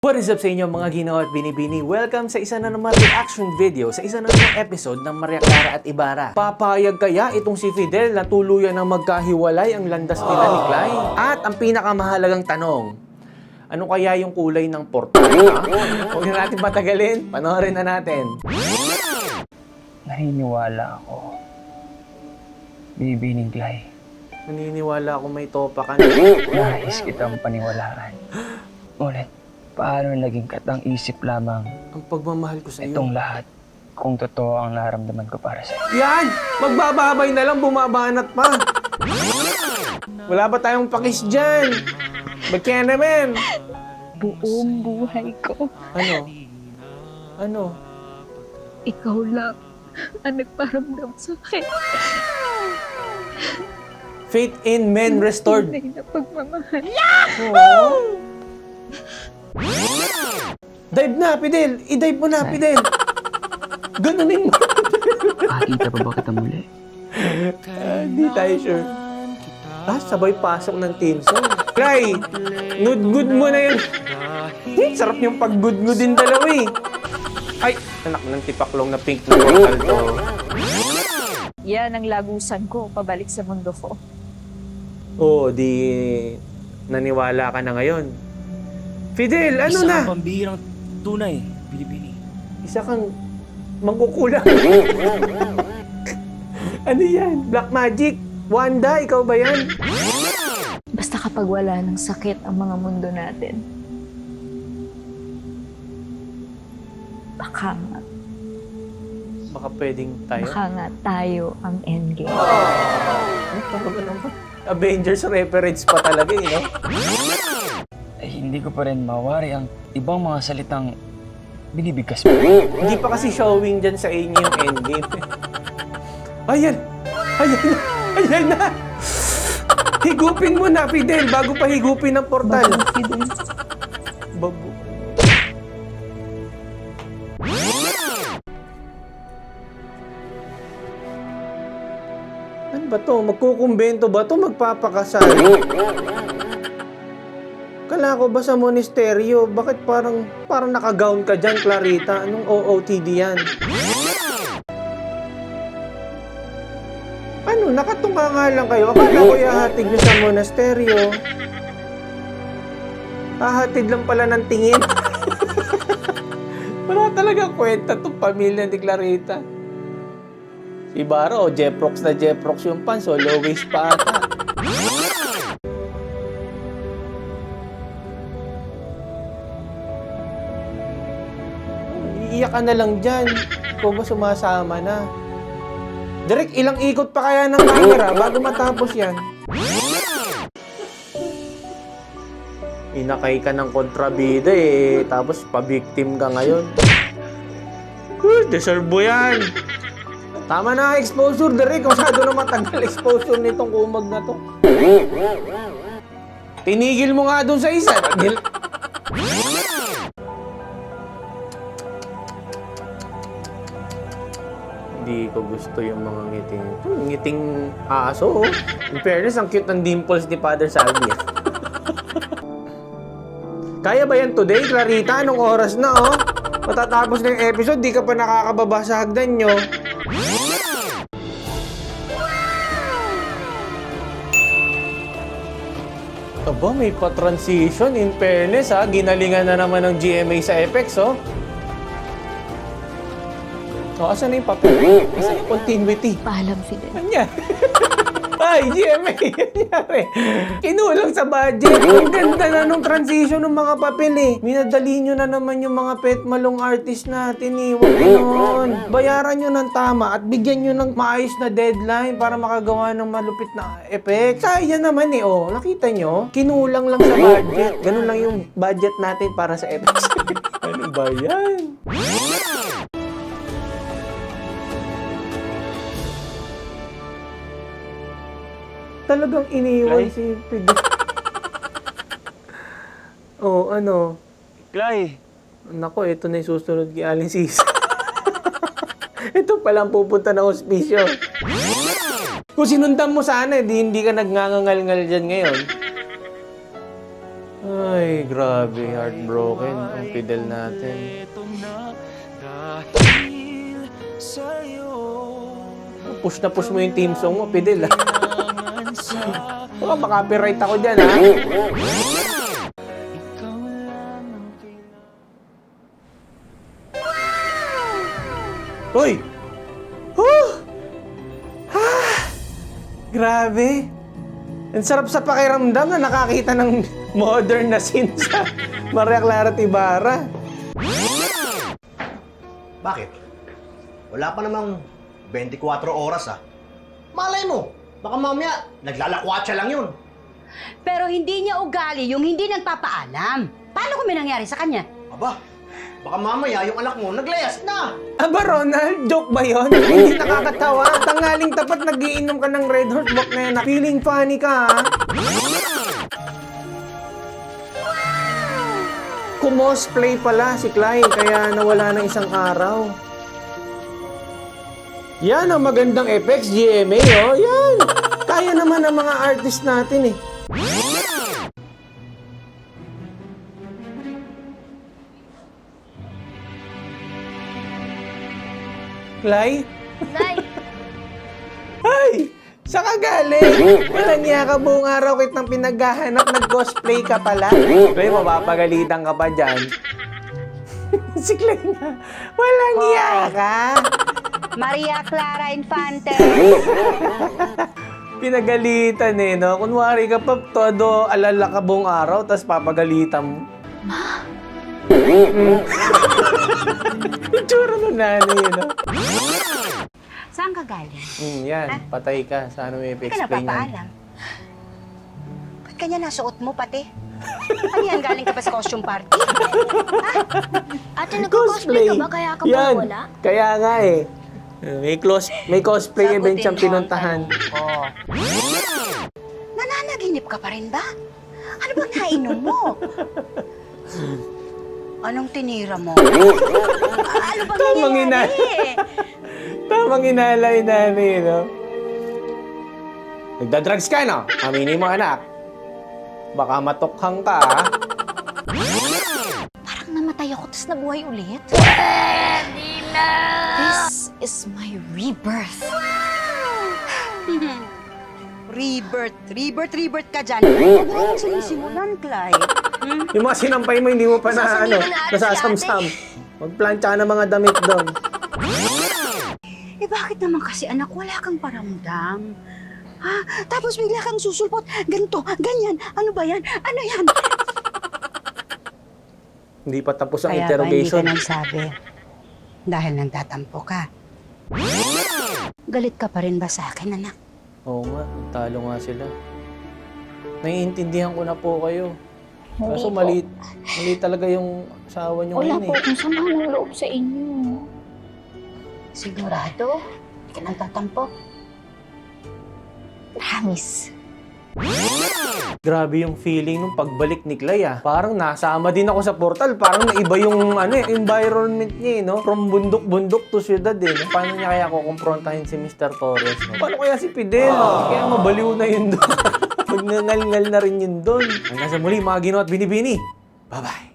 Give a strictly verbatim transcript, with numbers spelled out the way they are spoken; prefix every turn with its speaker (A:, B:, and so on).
A: What is up sa inyo mga Ginoo at Binibini? Welcome sa isa na naman reaction video, sa isa na naman episode ng Maria Clara at Ibarra. Papayag kaya itong si Fidel na tuluyan ng magkahiwalay ang landas nila ni Clay? At ang pinakamahalagang tanong, ano kaya yung kulay ng portal? Huwag na natin patagalin, panoorin na natin.
B: Naniniwala ako. Binibining Clay.
A: Naniniwala ako may topa ka na.
B: Nais kitang paniwalaan. Ngunit, paano naging katang isip lamang
A: Ang pagmamahal ko sa iyo.
B: itong lahat kung totoo ang naramdaman ko para sa'yo?
A: Yan! Magbababay na lang, bumabanat pa. Wala ba tayong pakis dyan? Ba't kaya naman?
C: Buong buhay ko,
A: Ano? Ano?
C: ikaw lang ang nagparamdam sa akin.
A: Faith in men restored.
C: Tunay na pagmamahal.
A: Oo. Dive na, Fidel! I-dive mo na, Fidel! Ganunin mo!
B: Makakita pa ba kita muli?
A: Ah, Hindi tayo sure. Ah, sabay pasok ng team song. Cry! Good-good mo na yun. Hmm, sarap yung pag-good-good din dalawa eh. Ay! Anak ng tipaklong na pink na portal to.
C: Yan ang lagusan ko pabalik sa mundo ko.
A: Oo, di naniwala ka na ngayon. Fidel, ano
D: Isa
A: na?
D: kang pambihirang tunay, Binibini.
A: Isa kang mangkukulang. Ano yan? Black magic? Wanda, ikaw ba yan?
C: Basta kapag wala ng sakit ang mga mundo natin, baka nga,
A: Baka pwedeng tayo.
C: baka nga tayo ang endgame.
A: Ano pa naman naman? Avengers reference pa talaga eh, no?
B: Ay, hindi ko pa rin mawari ang ibang mga salitang binibigkas mo.
A: Hindi pa kasi showing dyan sa inyo yung endgame. Ayan! Ayan na! Ayan na! Higupin mo na, Fidel, bago pa higupin ang portal.
C: Fidel,
A: Bago. Ano ba to? Magkukumbento ba to? Magpapakasal? Kala ko ba sa monasteryo? Bakit parang parang naka-gown ka dyan, Clarita? Anong O O T D yan? Ano? Nakatunga nga lang kayo. Akala ko ihahatid nyo sa monasteryo. Hahatid lang pala ng tingin. Wala talaga kwenta itong pamilya ni Clarita. Si Baro, Jeprox na Jeprox yung pants, so low waist pa ata. Iiyak ka na lang dyan. Ikaw ba sumasama na? Direk, ilang ikot pa kaya ng camera bago matapos yan? Inakay ka ng kontrabida eh, tapos pa-victim ka ngayon. Uh, deserve mo yan! Tama na exposure, Derek. Masyado na matagal exposure nitong kumag na to. Tinigil mo nga doon sa isa. Dil- Hindi ko gusto yung mga ngiting. Ito, ngiting aso. Oh. In fairness, ang cute ng dimples ni Father Salvi. Kaya ba yan today, Clarita? Anong oras na, oh? Matatapos na yung episode, di ka pa nakakababa sa hagdan nyo. Aba, may pa-transition. In fairness, ha? Ginalingan na naman ng G M A sa effects, oh. O, asan na yung papel? Asan yung continuity?
C: paalam Fidel.
A: Kanya. Ay, G M A, nangyari. Kinulang sa budget. Ang ganda na nung transition ng mga papel eh. Minadali nyo na naman yung mga pet malong artist natin eh. Huwag ganoon. Bayaran nyo ng tama at bigyan nyo ng maayos na deadline para makagawa ng malupit na effect. Kaya naman eh, oh. Nakita nyo? Kinulang lang sa budget. Ganun lang yung budget natin para sa effects. Ano ba yan? Talagang iniwan
B: Clay?
A: si Fidel. Oh, ano?
B: Clay!
A: Nako, ito na yung susunod kay Alin Sis. Ito palang pupunta ng hospisyo. Kung sinundan mo sana, di, hindi ka nagngangangal-ngal dyan ngayon. Ay, grabe. Heartbroken ang Fidel natin.
D: Ito na dahil sa'yo.
A: Push na push mo yung team song mo, Fidel. ah.
D: Kailangan sa
A: Baka makapiright ako dyan, ha?
D: ikaw lang ang kailangan.
A: Uy! Huh! Ha! Grabe. Ang sarap sa pakiramdam na nakakita ng modern na scene sa Maria Clara Ibarra.
E: Bakit? Wala pa namang twenty-four oras ah. Malay mo, baka mamaya naglalakwatsa lang yun.
F: Pero hindi niya ugali yung hindi nagpapaalam. Paano kung may nangyari sa kanya?
E: Aba, baka mamaya yung anak mo naglayas na.
A: Aba, Ronald, joke ba yun? Hindi nakakatawa. Tanghaling tapat nagiinom ka ng Red Horse Book na yan. Feeling funny ka, ha? Kumosplay pala si Clyde, kaya nawala ng isang araw. Yan ang magandang effects, G M A, oh. Yan. Kaya naman ng mga artist natin, eh. Clyde?
G: Nay,
A: Ay! Saan ka galing? Walang niya ka buong araw kitang pinaghahanap, nag-cosplay ka pala. Pre, mapapagalitan ka pa dyan. Si Clay na, walang niya ka.
F: Maria Clara Infante.
A: Pinagalitan eh, no? Kunwari ka pa, todo alala ka buong araw, tapos papagalitan mo. Ma? Itsura ng nanay, no?
F: Saan ka galing?
A: Hmm, yan, patay ka. Sana may
F: Hindi ka
A: explain yan.
F: napapaalam. Ba't kanya nasuot mo pati? Ano yan, galing ka pa sa costume party?
G: ate nagko-cosplay ka ba kaya ka
A: Yan.
G: mawala?
A: Kaya nga eh. May, close, may cosplay event
F: Sagutin
A: siyang
F: mo.
A: pinuntahan.
F: Oo. Nananaginip ka pa rin ba? Ano bang nainom mo? Anong tinira mo? ano bang
A: Tamang
F: nangyayari?
A: Tamang inalay namin, no? Nagda-drugs ka, no? Aminin mo, anak. Baka matukhang ka, ha?
G: Parang namatay ako tapos nabuhay ulit. This is my rebirth.
F: Rebirth, rebirth, rebirth ka dyan. Huwag mo sa isimulan, Clyde. Hmm?
A: Yung mga sinampay mo, hindi mo pa na, ano,
G: Sasabihin mo na, ate,
A: nasasamsam. Magplantsa ka ng mga damit doon.
F: Eh bakit naman kasi anak, wala kang paramdam? Ha? Tapos bigla kang susulpot, ganito, ganyan, ano ba yan? Ano yan?
A: Hindi pa tapos ang
F: Kaya
A: interrogation.
F: ba hindi ka nagsabi? Dahil nagtatampo ka. Galit ka pa rin ba sa akin, anak?
A: Oo nga, talo nga sila. Naiintindihan ko na po kayo. Kaso
G: Hindi po.
A: mali, mali talaga yung asawa niyo
G: Wala
A: ngayon,
G: po
A: eh.
G: akong sama ng loob sa inyo.
F: Sigurado? Hindi ka nagtatampo?
G: Promise.
A: Grabe yung feeling nung pagbalik ni Clay, ah. Parang nasama din ako sa portal. Parang naiba yung ano, eh, environment niya, eh, no? From bundok-bundok to syudad, eh. No? Paano niya kaya kukumprontahin si Mister Torres? No? Paano kaya si Fidel? Kaya mabaliw na yun doon. Magnangal-ngal na rin yun doon. Hanggang sa muli, mga Ginoo at Binibini. Bye-bye.